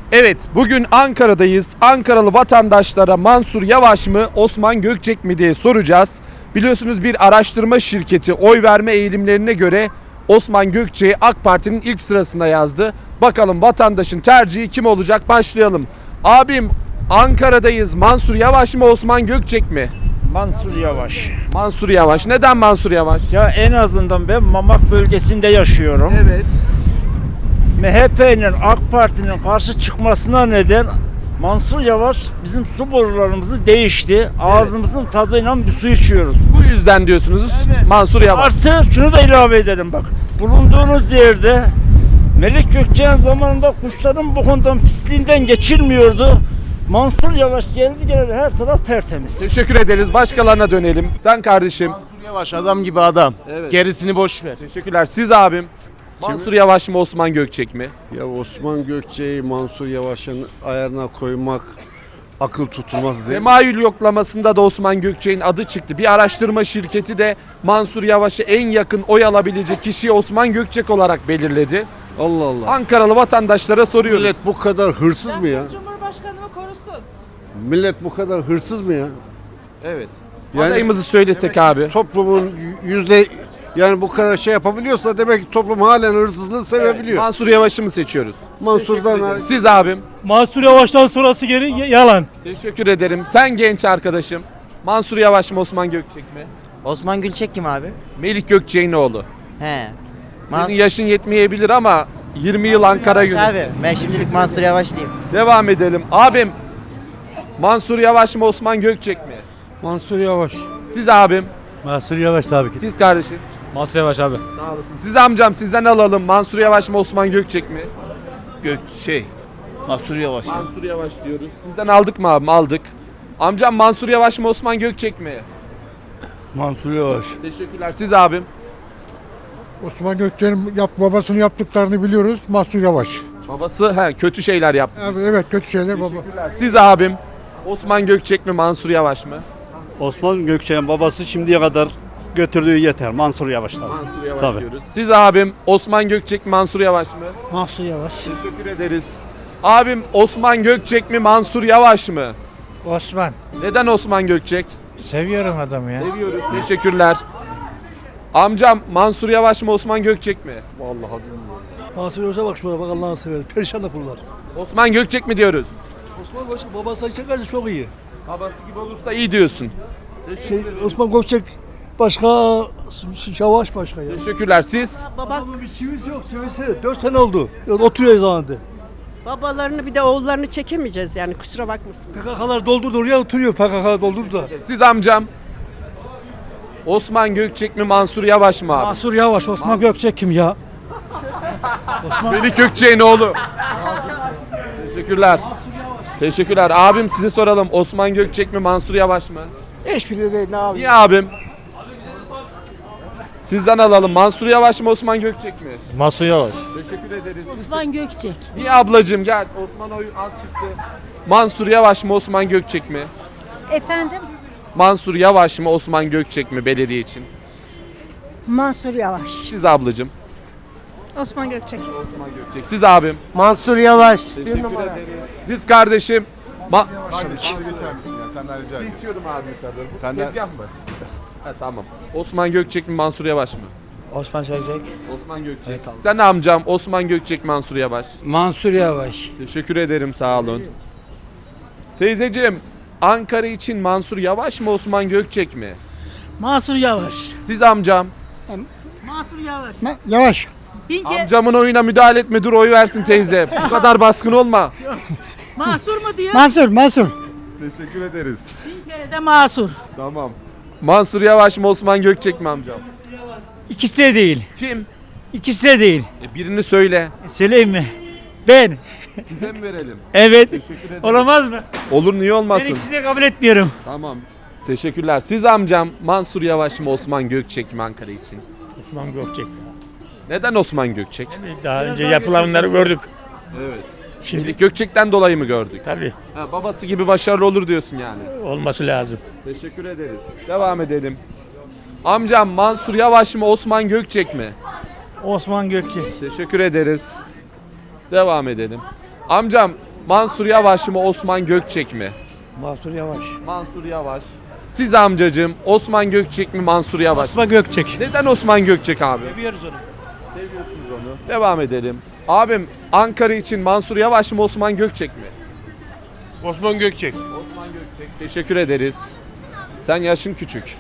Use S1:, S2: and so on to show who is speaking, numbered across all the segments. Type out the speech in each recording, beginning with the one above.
S1: Evet, bugün Ankara'dayız. Ankaralı vatandaşlara Mansur Yavaş mı, Osman Gökçek mi diye soracağız. Biliyorsunuz bir araştırma şirketi oy verme eğilimlerine göre Osman Gökçek'i AK Parti'nin ilk sırasına yazdı. Bakalım vatandaşın tercihi kim olacak? Başlayalım. Abim, Ankara'dayız. Mansur Yavaş mı, Osman Gökçek mi?
S2: Mansur Yavaş.
S1: Mansur Yavaş. Neden Mansur Yavaş?
S2: Ya en azından ben Mamak bölgesinde yaşıyorum.
S1: Evet.
S2: MHP'nin AK Parti'nin karşı çıkmasına neden Mansur Yavaş bizim su borularımızı değişti. Ağzımızın tadıyla bir su içiyoruz.
S1: Bu yüzden diyorsunuz
S2: Evet.
S1: Mansur Yavaş.
S2: Artı şunu da ilave edelim bak. Bulunduğunuz yerde Melik Gökçek'in zamanında kuşların bokundan pisliğinden geçilmiyordu. Mansur Yavaş geldi geleli her taraf tertemiz.
S1: Teşekkür ederiz. Başkalarına dönelim. Sen kardeşim.
S3: Mansur Yavaş adam gibi adam.
S1: Evet.
S3: Gerisini boş ver.
S1: Teşekkürler. Siz abim. Mansur Yavaş mı, Osman Gökçek mi?
S4: Ya Osman Gökçek'i Mansur Yavaş'ın ayarına koymak akıl tutulmaz değil.
S1: Temayül yoklamasında da Osman Gökçek'in adı çıktı. Bir araştırma şirketi de Mansur Yavaş'a en yakın oy alabilecek kişiyi Osman Gökçek olarak belirledi.
S4: Allah Allah.
S1: Ankaralı vatandaşlara soruyoruz.
S4: Millet bu kadar hırsız mı ya?
S5: Cumhurbaşkanımı korusun.
S4: Millet bu kadar hırsız mı ya?
S1: Evet.
S4: Yani
S1: Adayımızı söylesek abi.
S4: toplumun yani bu kadar şey yapabiliyorsa demek ki toplum halen hırsızlığı sevebiliyor.
S1: Mansur Yavaş'ı mı seçiyoruz?
S4: Mansur'dan
S1: Siz abim.
S6: Mansur Yavaş'tan sonrası geri yalan.
S1: Teşekkür ederim. Sen genç arkadaşım. Mansur Yavaş mı, Osman Gökçek mi?
S7: Osman Gülçek kim abi?
S1: Melik Gökçek'in oğlu.
S7: He.
S1: Senin yaşın yetmeyebilir ama 20 yıl Ankara
S7: Yavaş
S1: yönetti.
S7: abi. Ben şimdilik Mansur Yavaş diyeyim.
S1: Devam edelim. Abim, Mansur Yavaş mı, Osman Gökçek mi?
S6: Mansur Yavaş.
S1: Siz abim.
S6: Mansur Yavaş tabii ki.
S1: Siz kardeşim.
S6: Mansur Yavaş abi.
S1: Sağ olasın. Siz amcam, sizden alalım. Mansur Yavaş mı, Osman Gökçek mi?
S3: Mansur Yavaş.
S1: Mansur Yavaş diyoruz. Sizden aldık mı abim? Aldık. Amcam Mansur Yavaş mı, Osman Gökçek mi?
S6: Mansur Yavaş.
S1: Teşekkürler. Siz abim.
S8: Osman Gökçek'in babasının yaptıklarını biliyoruz. Mansur Yavaş.
S1: Babası kötü şeyler yaptı.
S8: Abi evet kötü şeyler baba.
S1: Teşekkürler. Siz abim. Osman Gökçek mi, Mansur Yavaş mı?
S9: Osman Gökçek'in babası şimdiye kadar götürdüğü yeter. Mansur Yavaş tabii.
S1: Mansur Yavaş
S9: Tabii.
S1: diyoruz. Siz abim. Osman Gökçek mi, Mansur Yavaş mı?
S6: Mansur Yavaş.
S1: Teşekkür ederiz. Abim Osman Gökçek mi, Mansur Yavaş mı?
S6: Osman.
S1: Neden Osman Gökçek?
S6: Seviyorum adamı ya.
S1: Seviyoruz. Teşekkürler. Amcam Mansur Yavaş mı, Osman Gökçek mi? Vallahi bilmiyorum.
S10: Mansur Yavaş'a bak şuna bak Allah'ını seversen. Perişan da kurlar.
S1: Osman Gökçek mi diyoruz?
S10: Osman Yavaş babası çekerse çok iyi.
S1: Babası gibi olursa iyi diyorsun.
S10: Osman Gökçek başka, Yavaş başka ya.
S1: Teşekkürler. Siz?
S10: Babamın bir çivisi yok çivisi. 4 sene oldu. Ya, oturuyor zamanında.
S5: Babalarını bir de oğullarını çekemeyeceğiz yani kusura bakmasın.
S10: PKK'lar doldurdu oraya oturuyor. PKK doldurdu da.
S1: Siz amcam. Osman Gökçek mi, Mansur Yavaş mı abi?
S6: Mansur Yavaş. Osman Gökçek kim ya?
S1: Melik Gökçek'in oğlu. Teşekkürler. Teşekkürler. Abim size soralım. Osman Gökçek mi, Mansur Yavaş mı?
S10: Hiçbiri değil ne abi.
S1: Niye abim? Sizden alalım. Mansur Yavaş mı, Osman Gökçek mi?
S6: Mansur Yavaş.
S1: Teşekkür ederiz.
S5: Osman Gökçek.
S1: Niye ablacığım gel. Osman oyu az çıktı. Mansur Yavaş mı, Osman Gökçek mi?
S5: Efendim?
S1: Mansur Yavaş mı, Osman Gökçek mi belediye için?
S5: Mansur Yavaş.
S1: Siz ablacığım.
S5: Osman Gökçek.
S1: Osman Gökçek. Siz abim.
S7: Mansur Yavaş.
S1: Teşekkür ederiz. Siz kardeşim.
S4: geçer misin ya? Senden rica ederim.
S1: İçiyorum abi yukarıda. Bu
S4: Senden-
S1: tezgah mı? Ha, tamam. Osman Gökçek mi, Mansur Yavaş mı?
S7: Osman Gökçek.
S1: Osman Gökçek. Sen amcam Osman Gökçek, Mansur Yavaş.
S6: Mansur Yavaş.
S1: Teşekkür ederim, sağ olun. Teyzeciğim, Ankara için Mansur Yavaş mı, Osman Gökçek mi?
S5: Mansur Yavaş.
S1: Siz amcam.
S5: Mansur Yavaş.
S8: Yavaş.
S5: Bin kere
S1: Amcamın oyuna müdahale etme, dur oy versin teyze. Bu kadar baskın olma.
S5: Mansur mu diyor?
S8: Mansur.
S1: Teşekkür ederiz.
S5: Bin kere de Mansur.
S1: Tamam. Mansur Yavaş mı, Osman Gökçek mi amcam?
S6: İkisi de değil.
S1: Kim?
S6: İkisi de değil.
S1: Birini söyle.
S6: Söyleyeyim mi? Ben.
S1: Size mi verelim?
S6: Evet.
S1: Teşekkür ederim.
S6: Olamaz mı?
S1: Olur, niye
S6: Ben
S1: olmasın?
S6: ikisini de kabul etmiyorum.
S1: Tamam. Teşekkürler. Siz amcam Mansur Yavaş mı, Osman Gökçek mi Ankara için?
S6: Osman Gökçek.
S1: Neden Osman Gökçek?
S6: Daha önce yapılanları gördük.
S1: Evet.
S6: Şimdi
S1: Melik Gökçek'ten dolayı mı gördük?
S6: tabii
S1: Babası gibi başarılı olur diyorsun yani.
S6: olması lazım.
S1: Teşekkür ederiz. Devam edelim. Amcam Mansur Yavaş mı, Osman Gökçek mi?
S6: Osman Gökçek.
S1: Teşekkür ederiz. Devam edelim. Amcam Mansur Yavaş mı Osman Gökçek mi?
S6: Mansur Yavaş.
S1: Mansur Yavaş. Siz amcacığım Osman Gökçek mi Mansur Yavaş mı?
S6: Osman Gökçek.
S1: Neden Osman Gökçek abi?
S6: Seviyoruz onu.
S1: Seviyorsunuz onu. Devam edelim. Abim Ankara için Mansur Yavaş mı Osman Gökçek mi?
S6: Osman Gökçek.
S1: Osman Gökçek. Teşekkür ederiz. Sen yaşın küçük.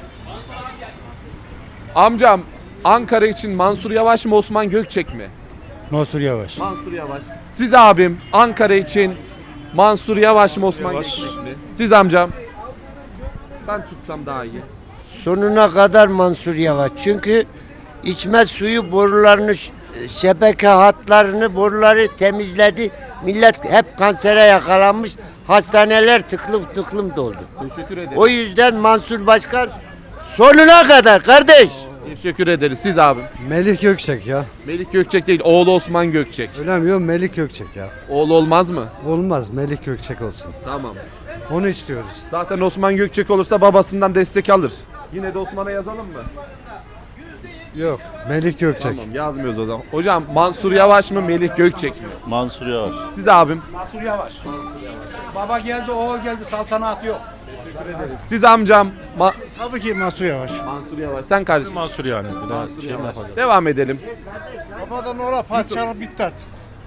S1: Amcam Ankara için Mansur Yavaş mı Osman Gökçek mi?
S10: Mansur Yavaş.
S1: Mansur Yavaş. Siz abim Ankara için Mansur Yavaş mı Osman Gökçek mi? Siz amcam. Ben tutsam daha iyi.
S11: Sonuna kadar Mansur Yavaş. Çünkü içme suyu borularını, şebeke hatlarını, boruları temizledi. Millet hep kansere yakalanmış. Hastaneler tıklım tıklım doldu.
S1: Teşekkür ederiz.
S11: O yüzden Mansur Başkan sonuna kadar kardeş.
S1: Teşekkür ederiz. Siz abim.
S4: Melih Gökçek ya.
S1: Melik Gökçek değil, oğlu Osman Gökçek.
S4: Önemli yok Melih Gökçek ya.
S1: Oğlu olmaz mı?
S4: Olmaz Melih Gökçek olsun.
S1: Tamam.
S4: Onu istiyoruz.
S1: Zaten Osman Gökçek olursa babasından destek alır. Yine de Osman'a yazalım mı?
S4: Yok Melih Gökçek.
S1: Tamam yazmıyoruz o zaman. Hocam Mansur Yavaş mı Melik Gökçek mi?
S3: Mansur Yavaş.
S1: Siz abim.
S10: Mansur Yavaş. Baba geldi, oğul geldi, saltanat yok.
S1: Siz amcam.
S10: Tabii ki Mansur Yavaş.
S1: Mansur Yavaş. Sen kardeşim.
S3: Mansur yani. Bir daha
S1: Mansur
S3: şey
S1: Yavaş.
S3: yapacak.
S1: Devam edelim.
S10: Babadan oğla parçalı bitti artık.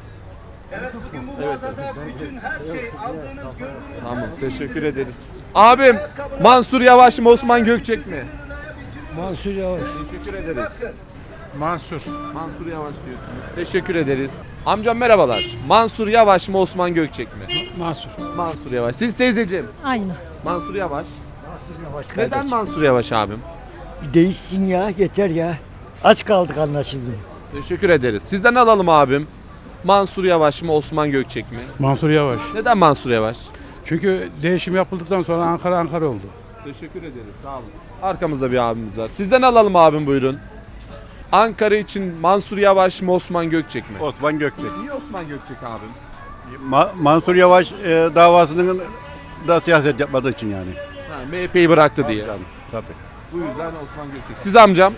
S1: Tamam teşekkür ederiz. Abim Mansur Yavaş mı Osman Gökçek mi?
S10: Mansur Yavaş.
S1: Teşekkür ederiz.
S8: Mansur.
S1: Mansur Yavaş diyorsunuz. Teşekkür ederiz. Amcam merhabalar. Mansur Yavaş mı Osman Gökçek mi?
S10: Mansur.
S1: Mansur Yavaş. Siz teyzeciğim.
S5: Aynı.
S1: Mansur Yavaş. Neden Mansur Yavaş abim?
S10: Bir değişsin ya, yeter ya. Aç kaldık anlaşıldım.
S1: Teşekkür ederiz. Sizden alalım abim. Mansur Yavaş mı Osman Gökçek mi?
S6: Mansur Yavaş.
S1: Neden Mansur Yavaş?
S6: Çünkü değişim yapıldıktan sonra Ankara oldu.
S1: Teşekkür ederiz. Sağ olun. Arkamızda bir abimiz var. Sizden alalım abim buyurun. Ankara için Mansur Yavaş mı Osman Gökçek mi?
S3: Osman Gökçek.
S1: Niye Osman Gökçek abim?
S3: Mansur Yavaş davasının da siyaset yapmadığı için yani.
S1: Ha, MHP'yi bıraktı diye.
S3: Tabii.
S1: Bu yüzden Osman Gökçek. Siz amcam?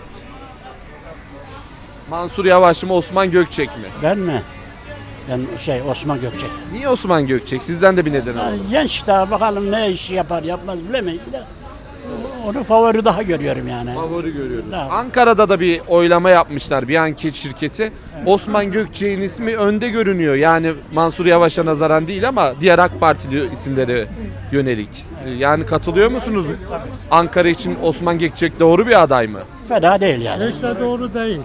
S1: Mansur Yavaş mı Osman Gökçek mi?
S10: Ben mi? Ben Osman Gökçek.
S1: Niye Osman Gökçek? Sizden de bir neden alalım.
S10: Genç daha bakalım ne iş yapar yapmaz bilemeyiz de. Onu favori daha görüyorum yani.
S1: Favori görüyoruz.
S10: Tamam.
S1: Ankara'da da bir oylama yapmışlar bir anket şirketi. Osman Gökçek'in ismi önde görünüyor. Yani Mansur Yavaş'a nazaran değil ama diğer AK Partili isimlere yönelik. Yani katılıyor musunuz? Ankara için Osman Gökçek doğru bir aday mı?
S10: Fena değil yani.
S8: İşte doğru değil.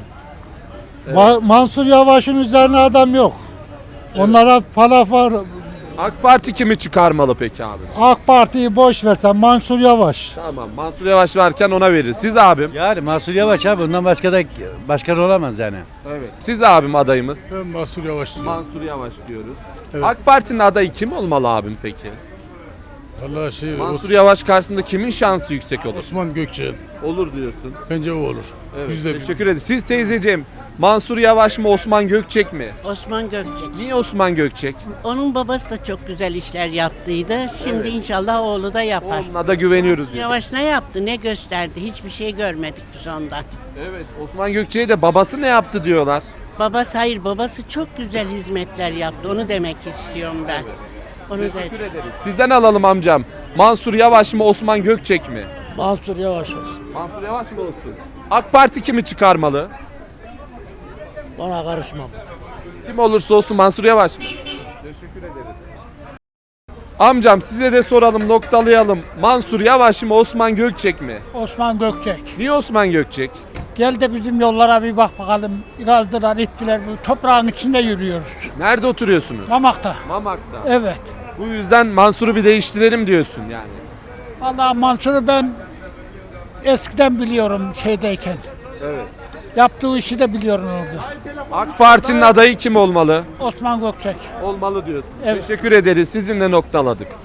S8: Mansur Yavaş'ın üzerine adam yok. Onlara var.
S1: AK Parti kimi çıkarmalı peki abi?
S8: AK Parti'yi boş versen Mansur Yavaş.
S1: Tamam Mansur Yavaş varken ona veririz. Siz abim?
S3: Yani Mansur Yavaş abi bundan başka da başkan olamaz yani.
S1: Evet. Siz abim adayımız?
S8: Ben Mansur Yavaş diyorum.
S1: Mansur Yavaş diyoruz. AK Parti'nin adayı kim olmalı abim peki?
S8: Vallahi
S1: Mansur Yavaş karşısında kimin şansı yüksek olur?
S8: Osman Gökçek'in.
S1: Olur diyorsun.
S8: Bence o olur.
S1: Evet. Teşekkür ederim. Siz teyzeciğim Mansur Yavaş mı Osman Gökçek mi?
S5: Osman Gökçek.
S1: Niye Osman Gökçek?
S5: Onun babası da çok güzel işler yaptıydı. Şimdi inşallah oğlu da yapar.
S1: Onunla da güveniyoruz. biz.
S5: Yavaş ne yaptı, ne gösterdi? Hiçbir şey görmedik biz ondan.
S1: Evet. Osman Gökçek'e de babası ne yaptı diyorlar.
S5: Babası çok güzel hizmetler yaptı. Onu demek istiyorum ben. Onu da
S1: Sizden alalım amcam. Mansur Yavaş mı Osman Gökçek mi?
S10: Mansur Yavaş olsun.
S1: Mansur Yavaş mı olsun? AK Parti kimi çıkarmalı?
S10: Ona karışmam.
S1: Kim olursa olsun Mansur Yavaş mı? Teşekkür ederiz. Amcam size de soralım, noktalayalım. Mansur Yavaş mı Osman Gökçek mi?
S6: Osman Gökçek.
S1: Niye Osman Gökçek?
S6: Gel de bizim yollara bir bak bakalım. Gazdılar, ittiler. Bu toprağın içinde yürüyoruz.
S1: Nerede oturuyorsunuz?
S6: Mamak'ta.
S1: Mamak'ta.
S6: Evet.
S1: Bu yüzden Mansur'u bir değiştirelim diyorsun yani.
S6: Vallahi Mansur'u ben eskiden biliyorum şeydeyken.
S1: Evet.
S6: Yaptığı işi de biliyorum orada.
S1: AK Parti'nin adayı kim olmalı?
S6: Osman Gökçek.
S1: Olmalı diyorsun.
S6: Evet.
S1: Teşekkür ederiz. Sizinle noktaladık.